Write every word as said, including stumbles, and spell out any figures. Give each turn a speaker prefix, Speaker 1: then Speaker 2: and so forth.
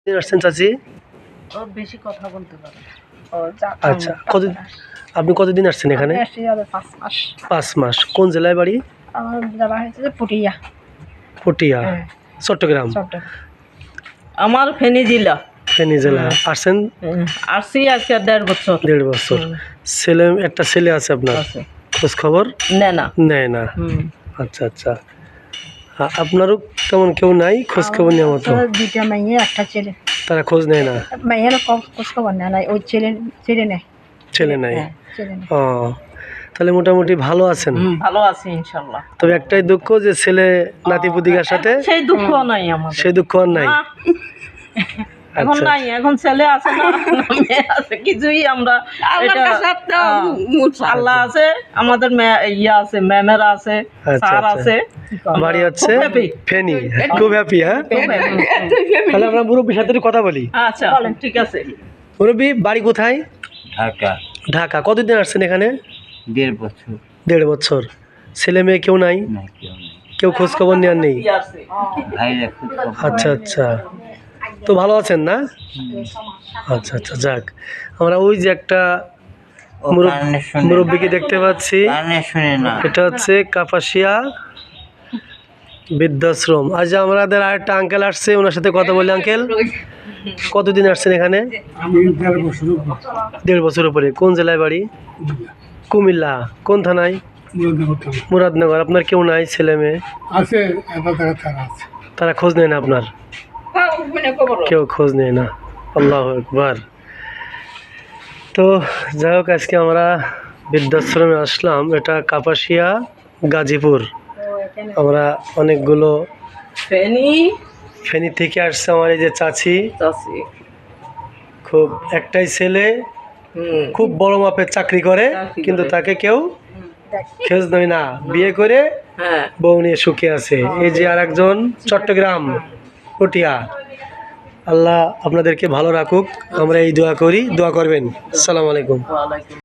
Speaker 1: আসছেন চাচি?
Speaker 2: ও বেশি কথা বলতে পারে।
Speaker 1: আচ্ছা, কত আপনি কতদিন আসছেন এখানে?
Speaker 2: পাঁচ মাস।
Speaker 1: পাঁচ মাস। কোন জেলায় বাড়ি?
Speaker 2: আমার জেলা হয়েছে যে পুটিয়া।
Speaker 1: পুটিয়া, চট্টগ্রাম।
Speaker 2: আমার ফেনী জেলা।
Speaker 1: ফেনী জেলা। আসছেন?
Speaker 2: আসছি আজকে দেড় বছর।
Speaker 1: দেড় বছর। ছেলে একটা ছেলে আছে আপনার? খোঁজ খবর
Speaker 2: নেয় না।
Speaker 1: নেয় না। আচ্ছা আচ্ছা। আপনারও তেমন কেউ নাই খোঁজ খবর নেওয়ার মতো?
Speaker 2: দুইটা মেয়ে একটা ছেলে।
Speaker 1: তারা খোঁজ নেয় না?
Speaker 2: মেয়ের খোঁজ খবর নেয় না, ওই ছেলে ছেলে নেয়।
Speaker 1: ছেলে নাই? ও, তাহলে মোটামুটি ভালো আছেন?
Speaker 2: ভালো আছি ইনশাল্লাহ।
Speaker 1: তবে একটাই দুঃখ যে ছেলে নাতিপুতিকার সাথে
Speaker 2: সেই দুঃখ নাই আমাদের।
Speaker 1: সেই দুঃখ আর নাই?
Speaker 2: এখন নাই, এখন ছেলে আছে না মেয়ে আছে, কিছুই আমরা আল্লাহ আছে, আমাদের ইয়া আছে, ম্যামেরা আছে, স্যার আছে।
Speaker 1: বাড়ি হচ্ছে ফেনী। খুব হ্যাপি? হ্যাঁ, তাহলে আমরা মুরব্বীর সাথে কথা বলি।
Speaker 2: আচ্ছা ঠিক আছে।
Speaker 1: মুরব্বী বাড়ি কোথায়?
Speaker 3: ঢাকা।
Speaker 1: ঢাকা। কতদিন আসছেন এখানে?
Speaker 3: দেড় বছর।
Speaker 1: দেড় বছর। ছেলে মেয়ে কেউ নাই? কেউ খোঁজ খবর নেওয়ার নেই? আচ্ছা আচ্ছা। তো ভালো আছেন না? আচ্ছা আচ্ছা, যাক। আমরা ওই যে একটা মুরব্বীকে দেখতে পাচ্ছি, এটা হচ্ছে কাপাসিয়া বৃদ্ধাশ্রম। আজ আমাদের আরেকটা আঙ্কেল আসছে, ওনার সাথে কথা বলি। আঙ্কেল, কতদিন আসছেন এখানে? দেড় বছর উপরে। কোন জেলায় বাড়ি? কুমিল্লা। কোন থানায়? মুরাদনগর। আপনার কেউ নাই ছেলে মেয়ে?
Speaker 4: আছে,
Speaker 1: তারা খোঁজ নেয় না আপনার? কেউ খোঁজ নেয় না। আল্লাহু আকবার। তো যাই হোক, আজকে আমরা বৃদ্ধাশ্রমে আসলাম। এটা কাপাসিয়া, গাজীপুর। আমরা অনেকগুলো
Speaker 2: ফেনী
Speaker 1: ফেনী থেকে আসছে। আমার এই যে চাচি,
Speaker 2: চাচি
Speaker 1: খুব একটাই ছেলে, খুব বড় মাপের চাকরি করে, কিন্তু তাকে কেউ খোঁজ নেয় না। বিয়ে করে বউ নিয়ে সুখে আছে। এই যে আর একজন চট্টগ্রাম, পুটিয়া। আল্লাহ আপনাদেরকে ভালো রাখুক, আমরা এই দোয়া করি। দোয়া করবেন। আসসালামু আলাইকুম।